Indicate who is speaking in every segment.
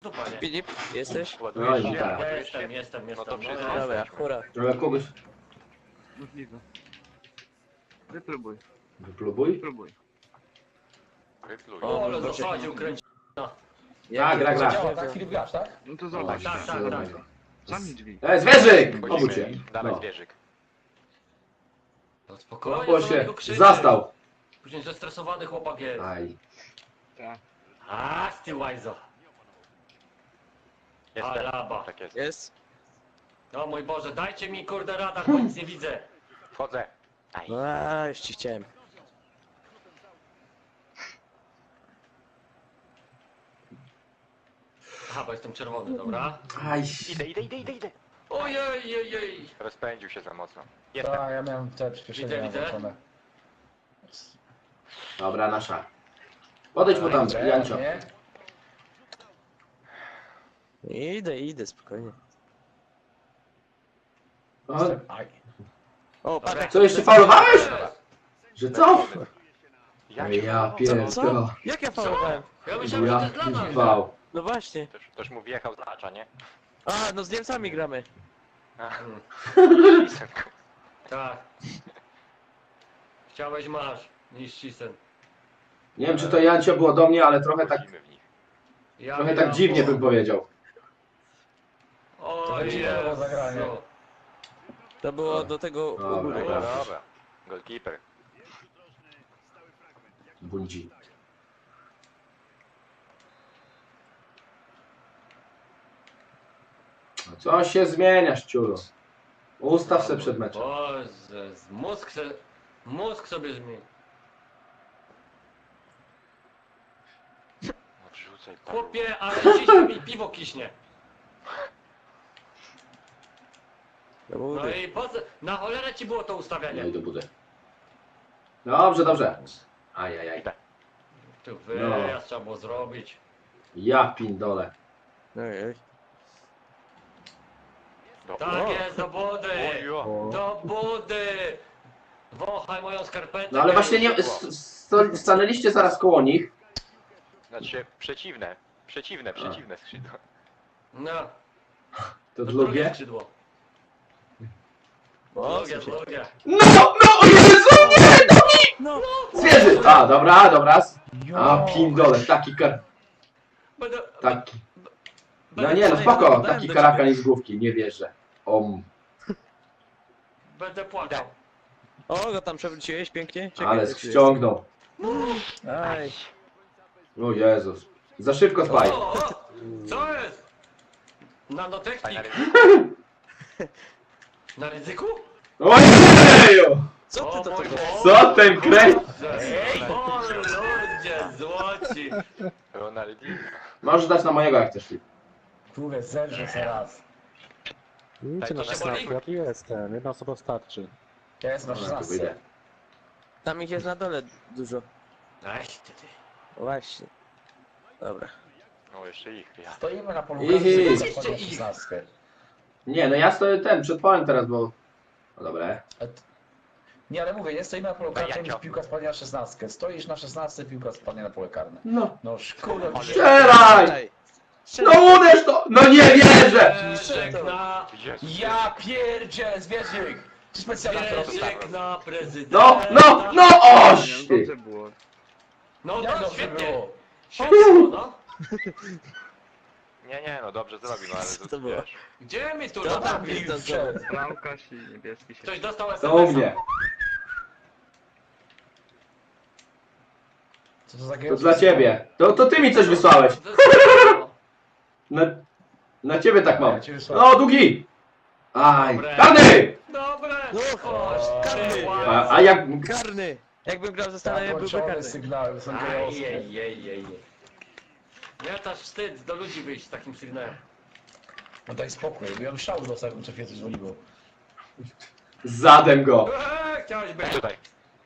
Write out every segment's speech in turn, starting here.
Speaker 1: stupa, nie?
Speaker 2: Filip, jesteś?
Speaker 3: No i tak.
Speaker 1: Jestem.
Speaker 4: No to
Speaker 1: No,
Speaker 4: wszystko.
Speaker 2: Dobra, hura.
Speaker 3: Ale kogoś
Speaker 5: Możliwe. Wypróbuj,
Speaker 3: wypróbuj.
Speaker 5: wypróbuj.
Speaker 4: Wypluj.
Speaker 1: O, ale zasadził, kręci.
Speaker 3: Tak, gra.
Speaker 6: Działa, tak? Filip grasz, tak?
Speaker 5: No to
Speaker 3: O,
Speaker 5: zobacz.
Speaker 1: tak.
Speaker 5: Zamknij drzwi.
Speaker 3: Zwierzyk!
Speaker 4: Wchodzimy.
Speaker 3: Obudźcie.
Speaker 4: Dawaj
Speaker 3: No.
Speaker 4: zwierzyk.
Speaker 1: No spokojnie,
Speaker 3: Bo
Speaker 1: co na
Speaker 3: się
Speaker 1: niego krzyczy?
Speaker 3: zastał.
Speaker 1: Później zestresowany chłopak jest.
Speaker 3: Aj.
Speaker 5: Tak.
Speaker 1: A, ty łajzo.
Speaker 4: Jestem.
Speaker 1: Alaba.
Speaker 4: Tak jest.
Speaker 2: Jest?
Speaker 1: O mój Boże, dajcie mi kurde radar, bo nic nie widzę.
Speaker 4: Wchodzę. Aj.
Speaker 2: No już ci chciałem.
Speaker 1: Aha, bo jestem czerwony, dobra.
Speaker 3: Aj.
Speaker 4: Idę.
Speaker 1: Ojej.
Speaker 4: Rozpędził się za mocno. Jestem.
Speaker 6: Tak, ja miałem te przyspieszenia
Speaker 1: Widzę.
Speaker 6: włączone.
Speaker 3: Dobra, nasza. Podejdź mu tam, Jancio.
Speaker 6: Nie?
Speaker 2: Idę, spokojnie.
Speaker 3: O,
Speaker 6: Aj.
Speaker 2: O, patrz.
Speaker 3: co, jeszcze faulowałeś? Że co?
Speaker 4: Ja
Speaker 3: Ja
Speaker 2: Co?
Speaker 3: pierdolę.
Speaker 2: Jak ja falowałem?
Speaker 1: Ja myślałem, że to
Speaker 3: Ja
Speaker 1: jest dla nas.
Speaker 3: wał.
Speaker 2: No właśnie.
Speaker 4: Ktoś mu wjechał z acza, nie?
Speaker 2: A, no z Niemcami gramy.
Speaker 4: Synku.
Speaker 1: Tak. Chciałeś, masz. Niszczysen.
Speaker 3: Nie wiem, czy to Jancio było do mnie, ale trochę tak
Speaker 1: Ja
Speaker 3: Trochę tak dziwnie bym powiedział.
Speaker 1: O
Speaker 6: To dziwne było zagranie.
Speaker 1: Jezu.
Speaker 2: To było do tego u
Speaker 3: Dobra,
Speaker 2: góry.
Speaker 3: dobra.
Speaker 4: Dobra. Goalkeeper.
Speaker 3: Bundzi. No co się zmieniasz, ciuro? Ustaw se przed meczem.
Speaker 1: Boże, mózg sobie zmieni.
Speaker 4: Odrzucaj paru.
Speaker 1: Chłopie, ale ciśnie mi piwo kiśnie.
Speaker 2: Do
Speaker 1: No
Speaker 2: góry.
Speaker 1: i po co? Na cholerę ci było to ustawianie.
Speaker 3: No i do budy. Dobrze, dobrze. Ajajaj.
Speaker 1: Tu wyjazd trzeba było zrobić.
Speaker 3: Ja pindole.
Speaker 2: Ojej.
Speaker 1: Tak jest, do budy!
Speaker 4: Ojo.
Speaker 1: Do budy! Wąchaj moją skarpetę.
Speaker 3: No ale właśnie nie... Stanęliście zaraz koło nich.
Speaker 4: Znaczy przeciwne skrzydło.
Speaker 1: No,
Speaker 3: To
Speaker 1: to
Speaker 3: drugie.
Speaker 1: drugie skrzydło.
Speaker 2: O,
Speaker 1: Drugie,
Speaker 2: słyszę.
Speaker 1: drugie.
Speaker 3: No, o Jezu, nie!
Speaker 2: No!
Speaker 3: Zwierzy! A, dobra, dobra. A, pindole, taki kar...
Speaker 1: Będę,
Speaker 3: Taki... No
Speaker 1: będę,
Speaker 3: nie, no spoko,
Speaker 2: Dałem
Speaker 3: taki
Speaker 2: do
Speaker 3: karakan
Speaker 2: ciebie.
Speaker 3: i z główki, nie wierzę.
Speaker 1: będę płakał.
Speaker 2: O, go tam przewróciłeś pięknie. Czekaj,
Speaker 3: Ale
Speaker 2: jak tu jest.
Speaker 3: ściągnął.
Speaker 2: Aj.
Speaker 3: O Jezus. Za szybko spaj.
Speaker 1: O, co jest? Nanotechnik.
Speaker 4: Fajna
Speaker 1: Na ryzyku?
Speaker 3: Ojeju!
Speaker 2: Co ty to
Speaker 1: O mój
Speaker 2: tego?
Speaker 1: Boże.
Speaker 3: Co ten kręć?
Speaker 1: Ej, o ludzie, złoci.
Speaker 4: Ronaldinho.
Speaker 3: Możesz dać na mojego jak chcesz.
Speaker 6: Kurde, zerżę se raz.
Speaker 1: Tak,
Speaker 7: na
Speaker 1: to się
Speaker 7: 16,
Speaker 1: boli?
Speaker 7: ja tu jestem, jedna osoba starczy.
Speaker 6: Ja jestem na
Speaker 3: Dobra, tu
Speaker 6: 16.
Speaker 3: wyjdę.
Speaker 2: Tam ich jest na dole dużo.
Speaker 1: Ej, ty.
Speaker 2: O, właśnie. Dobra.
Speaker 4: No jeszcze ich. Ja.
Speaker 6: Stoimy na polu
Speaker 3: Ihi.
Speaker 6: karnym,
Speaker 1: Jeszcze
Speaker 6: zachodzą
Speaker 1: ich.
Speaker 6: 16.
Speaker 3: Nie, no ja stoję ten, przed polem teraz, bo... No dobra.
Speaker 6: Nie, ale mówię, nie stoimy na polu
Speaker 4: Daj,
Speaker 6: karnym,
Speaker 4: Jancio.
Speaker 6: piłka spadnie na 16. Stoisz na 16, piłka spadnie na pole karne.
Speaker 3: No.
Speaker 6: No szkoda.
Speaker 3: Strzelaj! No uderz to! No nie wierzę!
Speaker 1: Zwierzyk na...
Speaker 4: Jezus.
Speaker 6: Ja pierdzielę, zwierzyk! Czy specjalna
Speaker 1: Zwierzyk na prezydenta.
Speaker 3: No, oś!
Speaker 5: Dobrze było.
Speaker 1: No
Speaker 6: Jak
Speaker 1: to
Speaker 6: dobrze
Speaker 1: świetnie.
Speaker 6: było?
Speaker 1: Świetnie, no.
Speaker 4: Nie, no dobrze zrobił, no ale
Speaker 2: Co to
Speaker 4: to
Speaker 2: było?
Speaker 4: wiesz.
Speaker 1: Gdzie mi tu
Speaker 2: To tam
Speaker 1: latawi?
Speaker 2: jest
Speaker 6: Wszedł.
Speaker 5: Bramkarz i niebieski się...
Speaker 1: Ktoś dostał
Speaker 3: To u
Speaker 1: SMS-a.
Speaker 3: mnie.
Speaker 6: Co to za
Speaker 3: To dla ciebie. To ty mi coś wysłałeś. Na ciebie tak mam.
Speaker 6: Ja cię wysłałem.
Speaker 3: No, długi! Aj,
Speaker 1: Dobre.
Speaker 3: karny!
Speaker 1: Dobre.
Speaker 2: No,
Speaker 1: Chodź,
Speaker 2: karny.
Speaker 1: ty
Speaker 3: A jak...
Speaker 2: Karny! Jakbym grał ze Stanami, byłby
Speaker 6: Zakończone
Speaker 2: karny.
Speaker 6: sygnały są gejowskie.
Speaker 1: Ajejejejej. Nie, to aż wstyd do ludzi wyjść z takim sygnałem.
Speaker 6: No daj spokój, bo ja bym szał dostał, jakbym Czefie coś dzwoniło.
Speaker 3: Zadem go.
Speaker 1: Chciałeś być.
Speaker 4: Tutaj.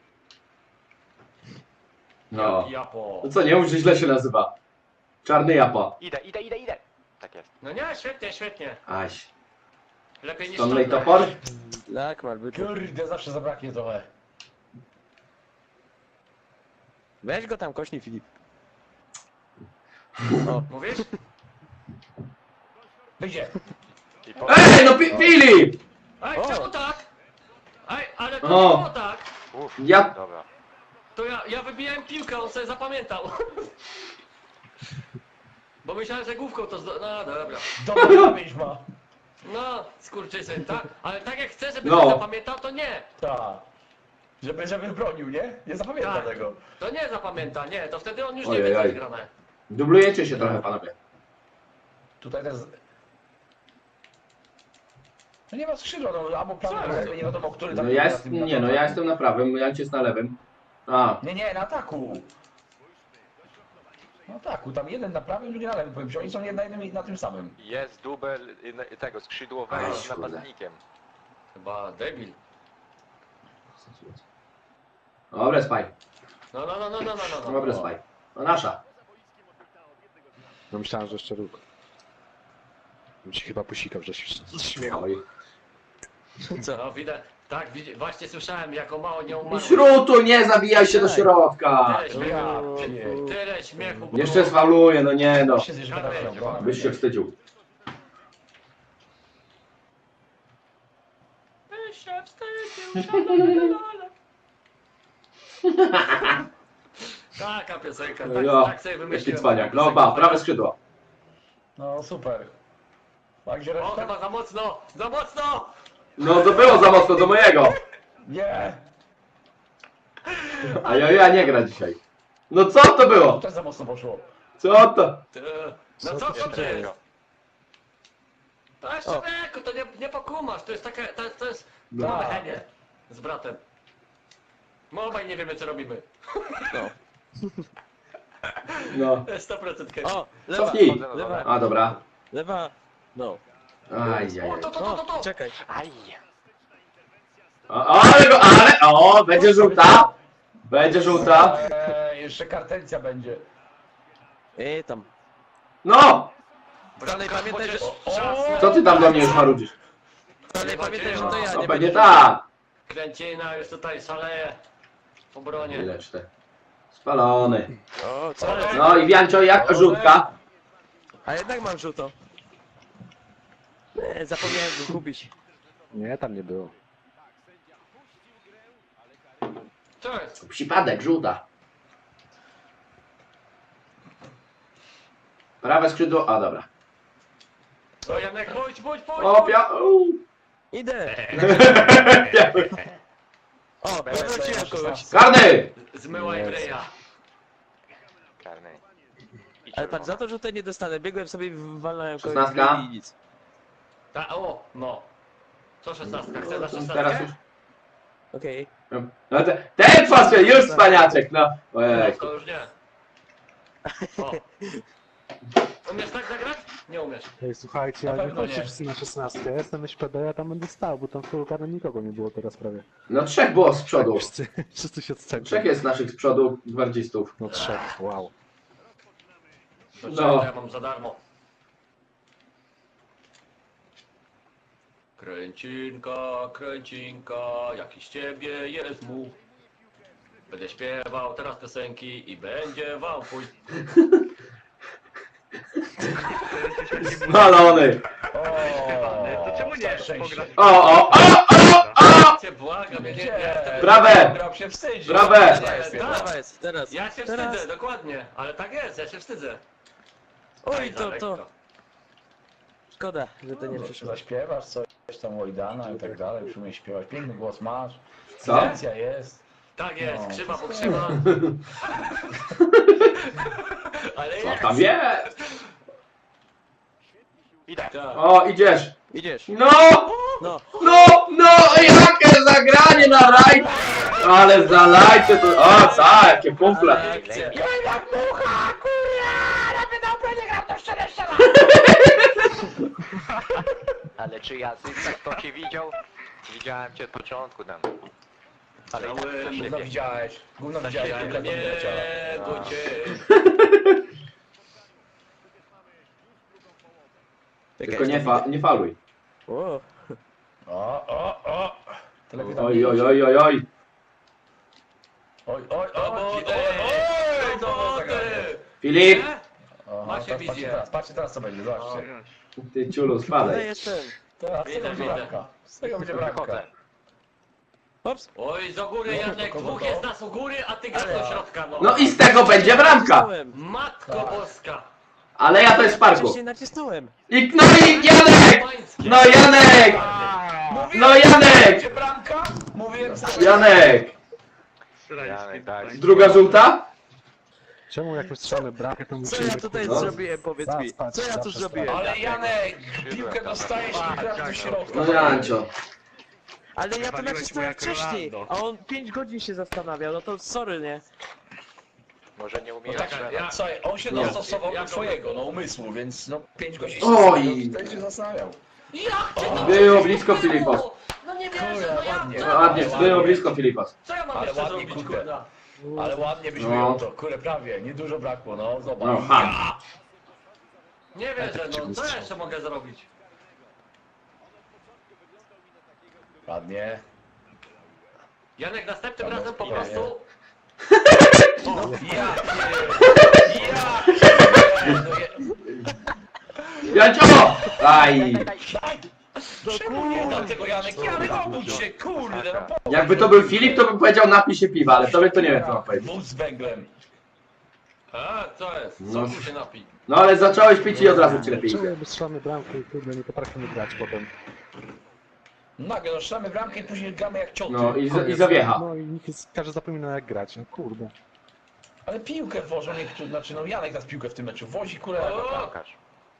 Speaker 3: No.
Speaker 1: Japo.
Speaker 3: No co, nie mów, że źle się nazywa. Czarny japa.
Speaker 4: Idę. Tak jest.
Speaker 1: No nie, świetnie, świetnie.
Speaker 3: Aś.
Speaker 1: Lepiej niż
Speaker 3: Stanley
Speaker 1: Stanley.
Speaker 3: topor?
Speaker 2: Tak, mal by tu.
Speaker 6: Kurde, zawsze zabraknie trochę.
Speaker 2: Weź go tam, kośnij Filip.
Speaker 1: Mówisz?
Speaker 6: Wyjdzie.
Speaker 4: I po...
Speaker 3: Ej, no Filip!
Speaker 1: Ej,
Speaker 2: O!
Speaker 1: czemu tak? Ej, ale to
Speaker 3: O!
Speaker 1: nie było tak.
Speaker 4: Uff,
Speaker 3: Ja...
Speaker 4: dobra.
Speaker 1: To ja wybijałem piłkę, on sobie zapamiętał. Bo myślałem, że główką to no dobra.
Speaker 6: Dobry pamięć ma.
Speaker 1: No, skurczysyn, tak? Ale tak jak chcę, żeby
Speaker 3: No.
Speaker 1: ktoś zapamiętał, to nie.
Speaker 6: Tak. Żeby bronił, nie? Nie zapamięta
Speaker 1: Tak.
Speaker 6: tego.
Speaker 1: To nie zapamięta, nie. To wtedy on już nie
Speaker 3: Ojej,
Speaker 1: wie, co
Speaker 3: oj.
Speaker 1: jest grane.
Speaker 3: Dublujecie się trochę, panowie.
Speaker 6: Tutaj też... No nie ma skrzydła, no albo prawy,
Speaker 1: Co?
Speaker 6: lewy, nie wiadomo, który tam
Speaker 3: No ja jest... Nie, no ja jestem na prawym, Janciu jest na lewym. A,
Speaker 6: Nie, na ataku. Na ataku, tam jeden na prawym, drugi na lewym, powiem ci, oni są jedna jednym i na tym samym.
Speaker 4: Jest dubel tego skrzydłowego
Speaker 3: Ej,
Speaker 4: z
Speaker 3: kurde.
Speaker 4: napastnikiem.
Speaker 1: Chyba debil.
Speaker 3: dobre spaj.
Speaker 1: No.
Speaker 3: Dobre spaj. No nasza.
Speaker 7: No myślałem, że jeszcze róg. Bym się chyba posikał, że się śmiechał.
Speaker 3: Oj.
Speaker 2: Co?
Speaker 1: No widać, tak, właśnie słyszałem, jako mało nie umarło.
Speaker 3: Śrutu, nie zabijaj się do środka.
Speaker 1: Tyle śmiechu,
Speaker 6: Ja
Speaker 2: O,
Speaker 6: pier-
Speaker 1: tyle śmiechu. było.
Speaker 3: Jeszcze sfauluje, no nie no.
Speaker 6: się zjeżdża na prawo.
Speaker 3: Byś się wstydził.
Speaker 1: Byś się wstydził, szalala. Taka piosenka, tak,
Speaker 3: Ja,
Speaker 1: tak sobie
Speaker 3: jaki
Speaker 1: wymyśliłem.
Speaker 3: cwaniak. No ba, prawe skrzydło.
Speaker 6: No super. Tak, gdzie
Speaker 1: O,
Speaker 6: reszta?
Speaker 1: chyba za mocno, za mocno!
Speaker 3: No to było za mocno do mojego.
Speaker 6: Nie!
Speaker 3: A ja nie gra dzisiaj. No co to
Speaker 6: To
Speaker 3: było?
Speaker 6: też za mocno poszło.
Speaker 3: Co to?
Speaker 1: No co
Speaker 2: się
Speaker 1: to jest?
Speaker 2: dzieje?
Speaker 1: To jeszcze
Speaker 2: O.
Speaker 1: wieku, to nie pokumasz, to jest takie, to jest
Speaker 3: No.
Speaker 1: mamy Henie z bratem. My obaj nie wiemy co robimy.
Speaker 2: No.
Speaker 3: No.
Speaker 1: 100% Henie.
Speaker 2: O, lewa,
Speaker 3: Cofnij.
Speaker 2: lewa,
Speaker 3: A dobra.
Speaker 2: lewa. No.
Speaker 3: Ajajaj.
Speaker 1: O, to.
Speaker 2: Czekaj.
Speaker 4: Aj!
Speaker 3: O, będzie żółta. Będzie żółta.
Speaker 6: Jeszcze kartencja będzie.
Speaker 2: Tam.
Speaker 3: No!
Speaker 2: Dalej pamiętaj, że...
Speaker 3: Co ty tam do mnie już marudzisz?
Speaker 2: Dalej pamiętaj, że to ja,
Speaker 3: No
Speaker 2: nie
Speaker 3: pewnie
Speaker 2: będę...
Speaker 3: tak.
Speaker 1: Kręcina już tutaj szaleje w obronie.
Speaker 3: Ileż te. Spalony.
Speaker 2: O, co?
Speaker 3: No i Wiancio, jak żółtka?
Speaker 2: A jednak mam żółto. Zapomniałem go kupić.
Speaker 7: Nie, tam nie było.
Speaker 1: Co jest?
Speaker 3: Przypadek, żółta. Prawe skrzydło, a dobra.
Speaker 1: To Janek, pójdź!
Speaker 3: O,
Speaker 2: Idę. O, wróciłem kogoś.
Speaker 3: Karny!
Speaker 1: Zmyłaj Breja.
Speaker 4: Karny. I
Speaker 2: Ale patrz, za
Speaker 4: czerwona.
Speaker 2: to żółte nie dostanę. Biegłem sobie, walnąłem kogoś
Speaker 3: 16.
Speaker 2: i nic.
Speaker 1: No. Co 16? Chcesz na 16?
Speaker 3: Teraz już.
Speaker 2: Okej.
Speaker 3: No ten pasuje, już spaniaczek, no. Ojej.
Speaker 1: To już nie. O. Umiesz tak zagrać? Nie umiesz.
Speaker 7: Ej, słuchajcie,
Speaker 6: Na
Speaker 7: ale
Speaker 6: pewno
Speaker 7: chodźcie
Speaker 6: nie.
Speaker 7: wszyscy na 16. Ja jestem SPD, ja tam będę stał, bo tam w polu karnym nikogo nie było teraz prawie.
Speaker 3: No trzech było z przodu.
Speaker 7: Wszyscy się odstępili.
Speaker 3: Trzech jest naszych z przodu gwardzistów.
Speaker 7: No trzech, wow.
Speaker 1: To
Speaker 3: No.
Speaker 1: ja mam za darmo. Kręcinka, jaki z ciebie jest mu. Będę śpiewał teraz piosenki i będzie wam pój.
Speaker 3: Spalony.
Speaker 5: To czemu nie
Speaker 6: szczęście.
Speaker 5: pograsz?
Speaker 3: O!
Speaker 1: Cię błagam, ja nie
Speaker 6: Gdzie?
Speaker 1: jestem.
Speaker 3: Brawe!
Speaker 6: Grał się wstydzi.
Speaker 3: Brawe!
Speaker 2: Prawa jest, teraz.
Speaker 1: Ja się
Speaker 2: Teraz.
Speaker 1: wstydzę, dokładnie. Ale tak jest, ja się wstydzę.
Speaker 2: Oj,
Speaker 1: Aj, za
Speaker 2: to.
Speaker 1: lekko.
Speaker 2: Szkoda, że to nie przyszło.
Speaker 6: Zaśpiewasz coś tam Łojdana i tak dalej, już umiesz śpiewać. Piękny głos masz.
Speaker 3: Co?
Speaker 6: Intencja jest.
Speaker 1: Tak jest,
Speaker 6: No.
Speaker 1: krzywa po krzywa. Ale
Speaker 3: Co
Speaker 1: jest.
Speaker 3: tam jest?
Speaker 4: Idę.
Speaker 1: Tak.
Speaker 3: O, idziesz.
Speaker 2: Idziesz.
Speaker 3: No!
Speaker 2: No.
Speaker 3: No! Jakie zagranie na raj! Ale zalajcie to. O, co? Jakie pumple.
Speaker 2: Akcja.
Speaker 4: Ale czy ja tak to cię widział? Widziałem cię od początku tam. Ale i tak to
Speaker 1: Gówno
Speaker 6: Gówno
Speaker 4: ślepie.
Speaker 6: widziałeś. Gówno widziałeś,
Speaker 1: Ja
Speaker 6: tylko
Speaker 1: nie
Speaker 6: nie leciała.
Speaker 1: do ciebie.
Speaker 3: Tylko nie faluj.
Speaker 2: O,
Speaker 6: O. To lepiej tam
Speaker 3: Oj,
Speaker 6: nie
Speaker 3: oj,
Speaker 6: iść.
Speaker 3: oj, oj, oj.
Speaker 6: Oj.
Speaker 1: Do wody!
Speaker 6: Oj,
Speaker 1: Do
Speaker 6: to było
Speaker 1: wody!
Speaker 6: zagranie.
Speaker 3: Filip!
Speaker 1: Nie?
Speaker 6: Aha.
Speaker 1: się wizję.
Speaker 6: Patrzcie teraz co będzie, zobaczcie.
Speaker 3: Ty ciulu,
Speaker 2: Ale
Speaker 3: spadaj.
Speaker 2: jestem.
Speaker 6: Teraz z tego będzie
Speaker 1: Widzę.
Speaker 6: bramka. Z tego będzie bramka.
Speaker 4: Wychodzę.
Speaker 2: Ops.
Speaker 1: Oj, do góry Janek, dwóch jest nas u góry, a ty grasz do środka, no.
Speaker 3: No i z tego będzie bramka.
Speaker 2: Nacisnąłem.
Speaker 1: Matko
Speaker 6: Tak.
Speaker 1: boska.
Speaker 3: Ale ja to jest w parku.
Speaker 2: Wcześniej nacisnąłem.
Speaker 3: I, no i Janek!
Speaker 1: Pańskie.
Speaker 3: No Janek! No Janek!
Speaker 6: Będzie bramka? Mówiłem za...
Speaker 3: Janek!
Speaker 4: Janek, daj.
Speaker 3: Druga żółta?
Speaker 7: Czemu jak strzelamy bramkę, to
Speaker 2: Co
Speaker 7: musimy...
Speaker 2: ja tutaj
Speaker 3: No.
Speaker 2: zrobiłem, powiedz mi? Co ja tu zrobiłem?
Speaker 6: Ale Janek, piłkę dostajesz i grasz do środka.
Speaker 3: No Jancio.
Speaker 2: Ale ja to
Speaker 5: Wywaliłeś
Speaker 2: nacisnąłem
Speaker 5: mu jak
Speaker 2: wcześniej,
Speaker 5: Rolando.
Speaker 2: a on 5 godzin się zastanawiał, no to sorry, nie?
Speaker 4: Może nie
Speaker 6: No
Speaker 4: umiem
Speaker 6: tak,
Speaker 4: strzelać.
Speaker 6: słuchaj, on się
Speaker 3: Nie.
Speaker 6: dostosował do swojego, no umysłu, więc no 5 godzin
Speaker 3: Oj.
Speaker 6: wtedy się zastanawiał.
Speaker 1: Jak cię to
Speaker 3: Było blisko, Filipos.
Speaker 1: No nie
Speaker 6: Kurde,
Speaker 1: wierzę, no jak
Speaker 6: ładnie.
Speaker 1: to?
Speaker 3: No ładnie, było blisko Filipas.
Speaker 1: Co ja mam
Speaker 6: Ale
Speaker 1: jeszcze
Speaker 6: ładnie,
Speaker 1: zrobić,
Speaker 6: kurde.
Speaker 1: kurda?
Speaker 6: Ale ładnie byś
Speaker 3: No.
Speaker 6: wyjął to, kurde prawie, niedużo brakło, no zobacz.
Speaker 3: No ham.
Speaker 1: Nie wierzę, no co ja jeszcze mogę zrobić?
Speaker 6: Ładnie.
Speaker 1: Janek, następnym
Speaker 6: Dobra,
Speaker 1: razem po
Speaker 6: nie,
Speaker 1: prostu...
Speaker 6: Ja!
Speaker 3: Jancio! Aj!
Speaker 6: Czemu nie dam tego Janek? Janek, obudź się, kurde, no po...
Speaker 3: Jakby to był Filip, to bym powiedział napij się piwa, ale tobie to nie wiem co mam powiedzieć.
Speaker 6: Wóz z węglem.
Speaker 1: A, co jest?
Speaker 3: No.
Speaker 1: Co tu się napi?
Speaker 3: No ale zacząłeś pić i od razu ci lepiej
Speaker 7: Czemu
Speaker 3: idzie.
Speaker 7: jakby strzelamy bramkę i kurde nie potrafimy grać potem?
Speaker 6: Nagle, no strzelamy bramkę i później gramy jak cioty.
Speaker 3: No i zawiecha.
Speaker 7: No i każdy zapomina jak grać, no kurde.
Speaker 6: Ale piłkę wożą niektórzy, znaczy no Janek nas piłkę w tym meczu wozi, kurde,
Speaker 1: O!
Speaker 4: Bramkarz.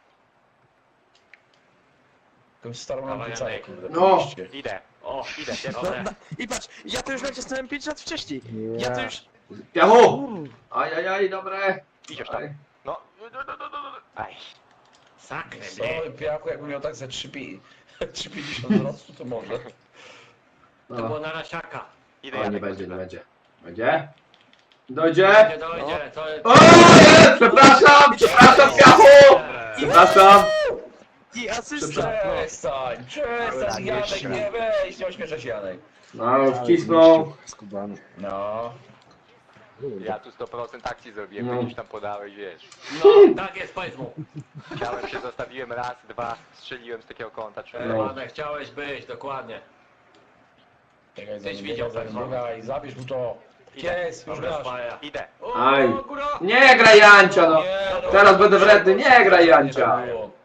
Speaker 6: jakąś starą
Speaker 1: Dawaj,
Speaker 6: lampicę,
Speaker 1: Janek.
Speaker 6: kurde.
Speaker 3: No.
Speaker 6: oczywiście.
Speaker 4: Idę.
Speaker 1: O,
Speaker 4: Idę,
Speaker 2: No,
Speaker 1: Dobre.
Speaker 2: I patrz, ja to już nacisnąłem 5 lat wcześniej. Ja to już...
Speaker 3: Piachu! Ajajaj, dobre.
Speaker 4: Idziesz tam.
Speaker 3: Aj.
Speaker 4: No. Aj.
Speaker 1: Saknę, nie?
Speaker 6: Sorry, Piaku, jakbym miał tak ze 3,50 wzrostu, to może.
Speaker 1: To było
Speaker 3: No.
Speaker 1: na rasiaka.
Speaker 4: Idę,
Speaker 3: O, nie
Speaker 4: Janek.
Speaker 3: będzie, nie będzie. Będzie? Dojdzie?
Speaker 1: Nie dojdzie, to jest...
Speaker 3: O, jest! Przepraszam, Piachu! Przepraszam.
Speaker 2: I asysta.
Speaker 6: Przestań, przestań, Janek, nie weź, nie ośmieszaj się, Janek.
Speaker 3: No, wcisnął.
Speaker 7: Skubany.
Speaker 6: No.
Speaker 4: Ja tu 100% akcji zrobiłem,
Speaker 3: No.
Speaker 4: gdzieś tam podałeś, wiesz.
Speaker 1: No, tak jest, powiedz mu.
Speaker 4: Chciałem się, zostawiłem raz, dwa, strzeliłem z takiego kąta, trzy.
Speaker 3: No.
Speaker 1: Ładne, chciałeś być, dokładnie.
Speaker 6: Czekaj,
Speaker 1: Tyś
Speaker 6: za
Speaker 1: widział,
Speaker 6: nim,
Speaker 1: tak zwane.
Speaker 6: biegaj, zabierz mu to. Jest, już
Speaker 1: Dobra,
Speaker 6: grasz.
Speaker 1: spaja.
Speaker 4: Idę.
Speaker 1: O,
Speaker 3: Aj.
Speaker 1: góra!
Speaker 3: Nie graj Jancia, no.
Speaker 6: Nie, no.
Speaker 3: Teraz będę wredny, nie graj Jancia.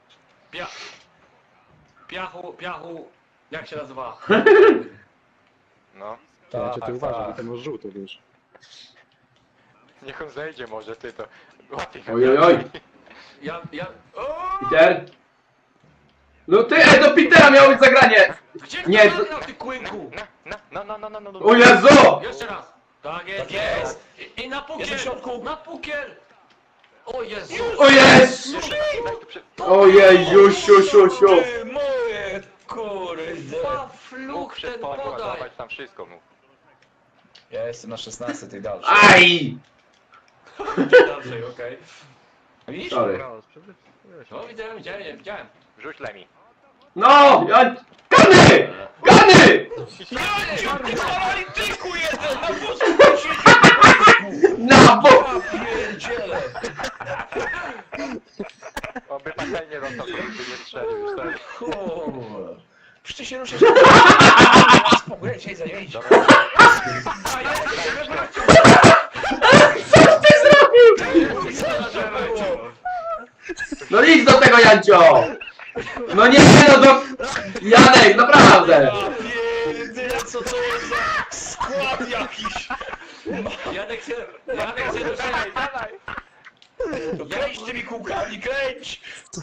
Speaker 1: Piachu, jak się nazywa?
Speaker 4: No.
Speaker 7: Ja cię
Speaker 6: Tak,
Speaker 7: ty uważaj, bo
Speaker 6: tak.
Speaker 7: to masz żółto, wiesz.
Speaker 4: Niech on zejdzie może, ty to. Łatwiej.
Speaker 3: Oj, oj, oj.
Speaker 1: Ja... O!
Speaker 3: Peter? No ty, to Petera miało być zagranie.
Speaker 1: Gdzie
Speaker 3: Nie,
Speaker 1: to nagrał, ty kłynku?
Speaker 4: No.
Speaker 3: O Jezu!
Speaker 1: Jeszcze raz. Tak jest.
Speaker 6: Tak jest.
Speaker 1: I na pukiel.
Speaker 6: Jest w środku.
Speaker 1: Na pukiel. O Jezu.
Speaker 3: O Jezu! Ojej, siu, siu.
Speaker 6: Ty moje, kurde.
Speaker 1: Fluch ten
Speaker 4: Przesponił, a
Speaker 1: podaj.
Speaker 4: zobacz tam wszystko mu.
Speaker 6: Ja jestem na 16 tej dalszej.
Speaker 3: Aj!
Speaker 1: Dalej, okej.
Speaker 6: Widzisz?
Speaker 3: Sorry.
Speaker 1: No widziałem.
Speaker 4: Wrzuć Lemi.
Speaker 3: No! Gany! Gany!
Speaker 6: Ty paralityku jeden, na wózku siedzi.
Speaker 3: Na bo...
Speaker 6: Ja pierdzielę.
Speaker 4: Oby patelnie dostał, żeby nie strzelił już teraz.
Speaker 6: Kurde. Przecież ty się ruszasz. Spokój, dzisiaj zajęć.
Speaker 4: Dobra,
Speaker 3: Coś ty zrobił! No idź do tego Jancio! No nie, no do... Janek, naprawdę!
Speaker 6: Pierdzielę, co to jest za skład jakiś.
Speaker 1: Janek się ruszaj.
Speaker 6: No kręć tymi kółkami, kręć.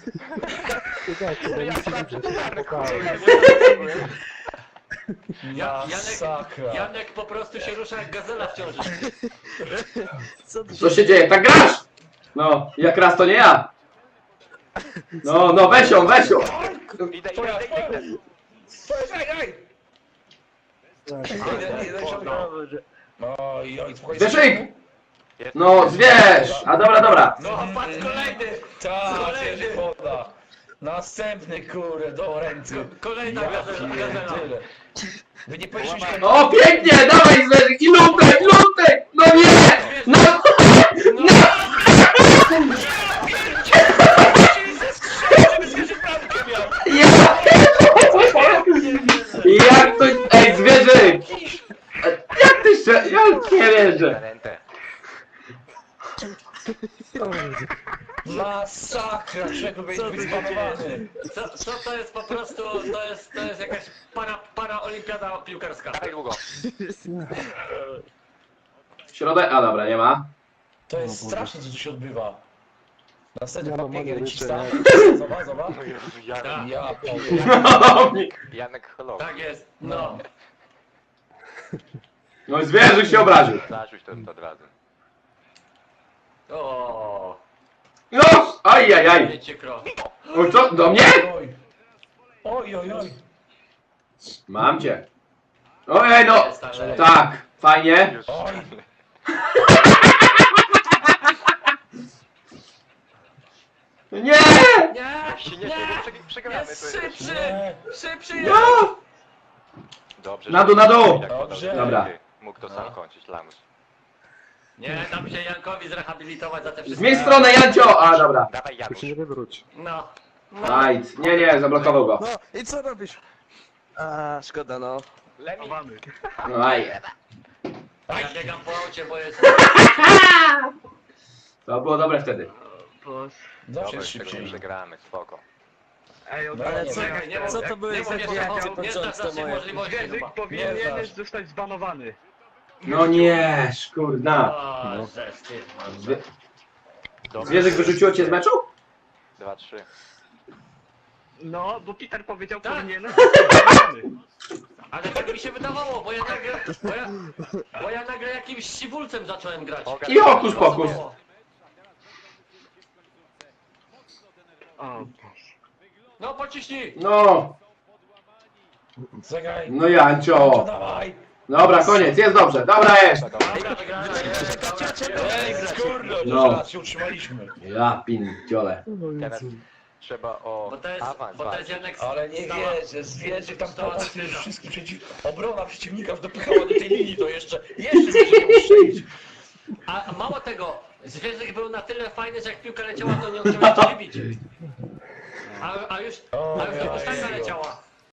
Speaker 6: Masakra.
Speaker 1: Janek po prostu się rusza jak gazela w ciąży.
Speaker 2: Co tu
Speaker 3: Co się dzieje? Tak grasz? No, jak raz to nie ja. No, weź ją.
Speaker 4: idę.
Speaker 6: Oj, spokojnie.
Speaker 3: Zwierzyk! No, zwierz! A dobra.
Speaker 1: No, patrz kolejny.
Speaker 6: Tak, jedzie woda. Następny, kurde, do ręki.
Speaker 1: Kolejna
Speaker 6: Ja
Speaker 1: gazela.
Speaker 6: pierdzielę. Wy nie powinniście...
Speaker 3: O, pięknie! Dawaj, zwierzyk! I lutek! No nie! No! wierzę.
Speaker 4: Talentę.
Speaker 6: Masakra, czego być zbanowany.
Speaker 1: Co to jest po prostu, to jest jakaś paraolimpiada piłkarska.
Speaker 4: Dawaj długo.
Speaker 3: Środek, a dobra, nie ma.
Speaker 6: To jest straszne, co tu się odbywa. Następny
Speaker 7: Ja mam
Speaker 6: papiegier
Speaker 7: modry
Speaker 6: ci stał.
Speaker 7: jeszcze,
Speaker 6: Zobacz, zobacz.
Speaker 4: No Jezu, Janek,
Speaker 1: Tak.
Speaker 6: Ja pierdolę.
Speaker 4: Janek Holo.
Speaker 1: Tak jest, no.
Speaker 3: No i zwierzyk się obraził.
Speaker 4: Zarzuć to od razu.
Speaker 1: O,
Speaker 3: No! Ajajaj!
Speaker 1: wiecie krok.
Speaker 3: Oj, co? Do mnie?
Speaker 6: Oj. Oj, oj, oj.
Speaker 3: Mam cię. Ojej, no!
Speaker 1: Jest, ale-
Speaker 3: Tak, fajnie.
Speaker 4: Już.
Speaker 6: Oj.
Speaker 3: Nie!
Speaker 1: Nie,
Speaker 4: Jak się nie śmieje, przegramy.
Speaker 1: jest
Speaker 4: To jest...
Speaker 1: szybszy,
Speaker 6: Nie.
Speaker 1: szybszy jest.
Speaker 3: No!
Speaker 4: Dobrze.
Speaker 3: Na dół, na dół.
Speaker 4: Jak podał,
Speaker 6: Dobrze.
Speaker 3: Dobra.
Speaker 4: Mógł to sam kończyć, Lamus.
Speaker 1: Nie, dam się Jankowi zrehabilitować za te wszystkie...
Speaker 3: Zmień stronę, Jancio! A, dobra.
Speaker 4: Dawaj
Speaker 7: Tu
Speaker 4: Janusz.
Speaker 7: się nie wywróć.
Speaker 1: No. No.
Speaker 3: Aj, nie, zablokował go.
Speaker 2: No i co robisz? A, szkoda no.
Speaker 4: Lemi.
Speaker 3: No aj.
Speaker 1: Ja biegam po aucie, bo jest...
Speaker 3: To było dobre wtedy.
Speaker 6: Zawsze
Speaker 4: Dobra,
Speaker 6: jest
Speaker 4: z tego nie
Speaker 6: szybciej.
Speaker 4: przegramy, spoko.
Speaker 2: Ale
Speaker 6: nie,
Speaker 2: co,
Speaker 1: czekaj, nie mów-
Speaker 2: co to były
Speaker 1: nie
Speaker 2: za
Speaker 1: mów jeszcze
Speaker 2: dwie
Speaker 1: o-
Speaker 2: akcje
Speaker 1: nie znasz
Speaker 2: początku
Speaker 1: naszej
Speaker 2: moje?
Speaker 1: możliwości chyba.
Speaker 6: Nie
Speaker 5: Powinieneś
Speaker 6: znasz.
Speaker 5: zostać zbanowany.
Speaker 3: No nie, szkurna.
Speaker 1: O, żeż ty,
Speaker 3: Zwie
Speaker 4: Dobra.
Speaker 3: zwierzyk wyrzuciło cię z meczu?
Speaker 4: 2-3.
Speaker 5: No, bo Peter powiedział,
Speaker 1: Tak.
Speaker 5: powinieneś zostać zbanowany.
Speaker 1: Ale tak mi się wydawało, bo ja nagle jakimś siwulcem zacząłem grać.
Speaker 3: I hokus pokus.
Speaker 5: O,
Speaker 1: No pociśnij!
Speaker 3: No,
Speaker 6: Zagraj.
Speaker 3: no
Speaker 6: To
Speaker 3: Jancio.
Speaker 6: dawaj.
Speaker 3: Dobra, koniec, jest dobrze. Dobra jest.
Speaker 1: Dobra, wygrałem.
Speaker 6: Ej, kurde,
Speaker 3: No.
Speaker 6: no. Raz się utrzymaliśmy.
Speaker 3: Ja pindziole.
Speaker 4: Teraz trzeba o
Speaker 1: Bo to jest
Speaker 4: awans
Speaker 1: Janek...
Speaker 6: Ale nie
Speaker 1: stała-
Speaker 6: wierzę, zwierzę tam
Speaker 1: stała
Speaker 6: pomoc,
Speaker 1: skrzydła.
Speaker 6: wszystkich obrona przeciwnika już dopychała do tej linii, to jeszcze może nie ustrzelić.
Speaker 1: A mało tego, zwierzę był na tyle fajny, że jak piłka leciała, to nie chciał jeszcze wybić. A już
Speaker 6: O,
Speaker 1: ta leciała.